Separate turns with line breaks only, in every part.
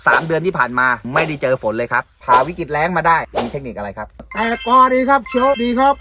3 เดือนที่ผ่านมาไม่ได้เจอฝนเลยครับพาวิกฤตแล้งมาได้มีเทคนิคอะไรครับ
แต่ก็ดีครับเชียวดีครับ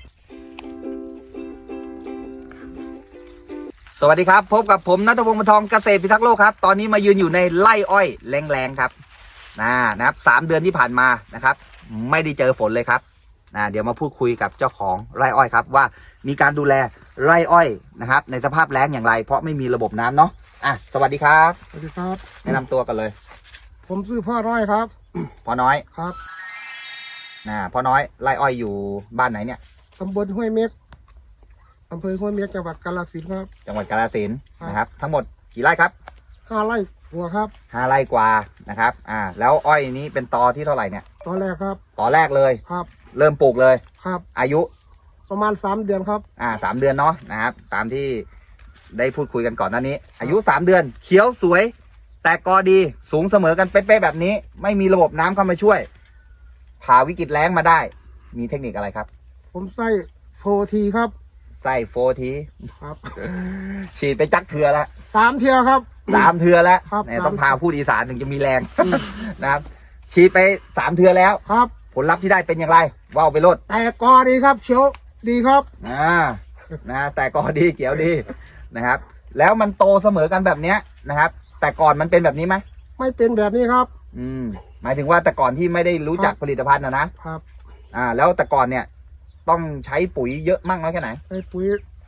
สวัสดีครับพบกับผมณัฐพงศ์ บรรทองเกษตรพิทักษ์โลกครับตอนนี้มายืนอยู่ในไร่อ้อยแรงๆครับนะครับ3 เดือนที่ผ่านมานะครับไม่ได้เจอฝนเลยครับเดี๋ยวมาพูดคุยกับเจ้าของไร่อ้อยครับว่ามีการดูแลไร่อ้อยนะครับในสภาพแล้งอย่างไรเพราะไม่มีระบบน้ำเนาะสวัสดีครับ
สวัสดีครับ
แนะนำตัวกันเลย
ผมชื่อพ่อน้อยครับ
พ่อน้อย
ครับ
พ่อน้อยไร่อ้อยอยู่บ้านไหนเนี่ย
ตำบลห้วยเม็กอำเภอห้วยเม็กจังหวัดกาฬสินธุ์ครับ
จังหวัดกาฬสินธุ์นะครับทั้งหมดกี่ไร่ครับ
5 ไร่หัวครับ
5 ไร่กว่านะครับแล้วอ้อยนี้เป็นตอที่เท่าไหร่เนี่ย
ตอนแรกครับ
ตอแรกเลย
ครับ
เริ่มปลูกเลย
ครับ
อายุ
ประมาณ3 เดือนครับ
3 เดือนเนาะนะครับตามที่ได้พูดคุยกันก่อนหน้านี้อายุ3 เดือนเขียวสวยแตกกอดีสูงเสมอกันเป๊ะๆแบบนี้ไม่มีระบบน้ำเข้ามาช่วยผ่าวิกฤตแล้งมาได้มีเทคนิคอะไรครับ
ผมใส่4 ทีครับ
ใส่4 ที
ครับ
ฉีดไปจักเถื่อละ
3 เที่ยวครับ
3 เถื่อแล้ว
เนี่ย
ต้องพาพูดอีสานถึงจะมีแรงนะครับฉีดไป3 เถื่อแล้ว
ครับ
ผลลัพธ์ที่ได้เป็นอย่างไรว่าวไปโลด
แต่ก็ดีครับเชียวดีครับ
แต่ก็ดีเขียวดีนะครับแล้วมันโตเสมอกันแบบเนี้ยนะครับแต่ก่อนมันเป็นแบบนี้ไหม
ไม่เป็นแบบนี้ครับ
หมายถึงว่าแต่ก่อนที่ไม่ได้รู้จักผลิตภัณฑ์นะครับแล้วแต่ก่อนเนี่ยต้องใช้ปุ๋ยเยอะมากน้อยแค่ไหน
ใช้ปุ๋ย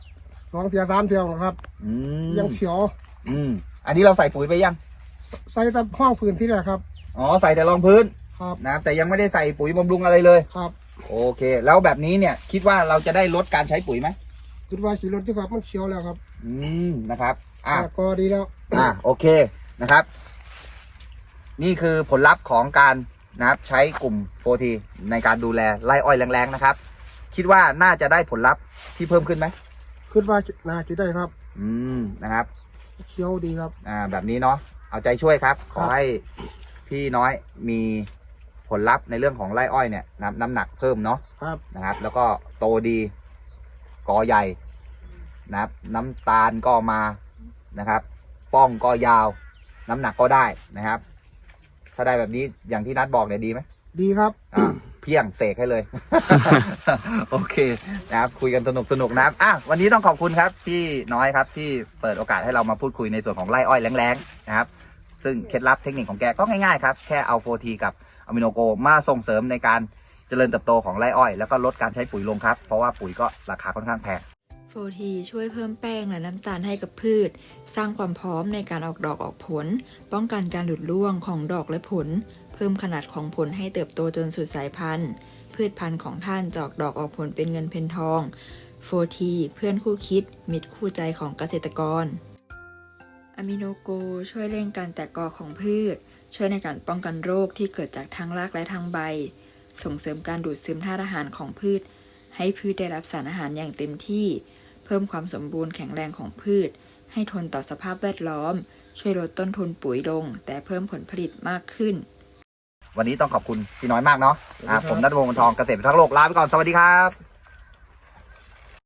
2 เที่ยว 3 เที่ยวครับยังเขียว
อันนี้เราใส่ปุ๋ยไปยัง
ใส่แต่ห้องพื้นที่แรกครับ
ใส่แต่รองพื้น
ครับ
นะแต่ยังไม่ได้ใส่ปุ๋ยบำรุงอะไรเลย
ครับ
โอเคแล้วแบบนี้เนี่ยคิดว่าเราจะได้ลดการใช้ปุ๋ยไหม
คิดว่าขี่รถที่ครับมันเขียวแล้วครับ
นะครับ
ก็ดีแล้ว
โอเคนะครับนี่คือผลลัพธ์ของการนะครับใช้กลุ่ม4Tในการดูแลไร่อ้อยแรงๆนะครับคิดว่าน่าจะได้ผลลัพธ์ที่เพิ่มขึ้นไหม
คิดว่าน่าจะได้ครับ
นะครับ
เขียวดีครับ
แบบนี้เนาะเอาใจช่วยครับขอให้พี่น้อยมีผลลัพธ์ในเรื่องของไร่อ้อยเนี่ยน้ำหนักเพิ่มเนาะนะครับแล้วก็โตดีกอใหญ่นะครับน้ำตาลก็มานะครับป้องก็ยาวน้ำหนักก็ได้นะครับถ้าได้แบบนี้อย่างที่นัดบอกเนี่ยดีไหม
ดีครับ
เพียงเสกให้เลย โอเคนะครับคุยกันสนุกนะครับวันนี้ต้องขอบคุณครับพี่น้อยครับที่เปิดโอกาสให้เรามาพูดคุยในส่วนของไร่อ้อยแรงๆนะครับซึ่งเคล็ดลับเทคนิคของแกก็ง่ายๆครับแค่เอา4Tกับอะมิโนโกมาส่งเสริมในการเจริญเติบโตของไร่อ้อยแล้วก็ลดการใช้ปุ๋ยลงครับเพราะว่าปุ๋ยก็ราคาค่อนข้างแพง
4T ช่วยเพิ่มแป้งและน้ำตาลให้กับพืชสร้างความพร้อมในการออกดอกออกผลป้องกันการหลุดร่วงของดอกและผลเพิ่มขนาดของผลให้เติบโตจนสุดสายพันธุ์พืชพันธุ์ของท่านจะออกดอกออกผลเป็นเงินเป็นทอง4T เพื่อนคู่คิดมิตรคู่ใจของเกษตรกรอะมิโนโกช่วยเร่งการแตกกอของพืชช่วยในการป้องกันโรคที่เกิดจากทางรากและทางใบส่งเสริมการดูดซึมธาตุอาหารของพืชให้พืชได้รับสารอาหารอย่างเต็มที่เพิ่มความสมบูรณ์แข็งแรงของพืชให้ทนต่อสภาพแวดล้อมช่วยลดต้นทุนปุ๋ยลงแต่เพิ่มผลผลิตมากขึ้น
วันนี้ต้องขอบคุณพี่น้อยมากเนาะผมณัฐพงศ์ บรรทองเกษตรพิทักษ์โลกลาไปก่อนสวัสดีครับ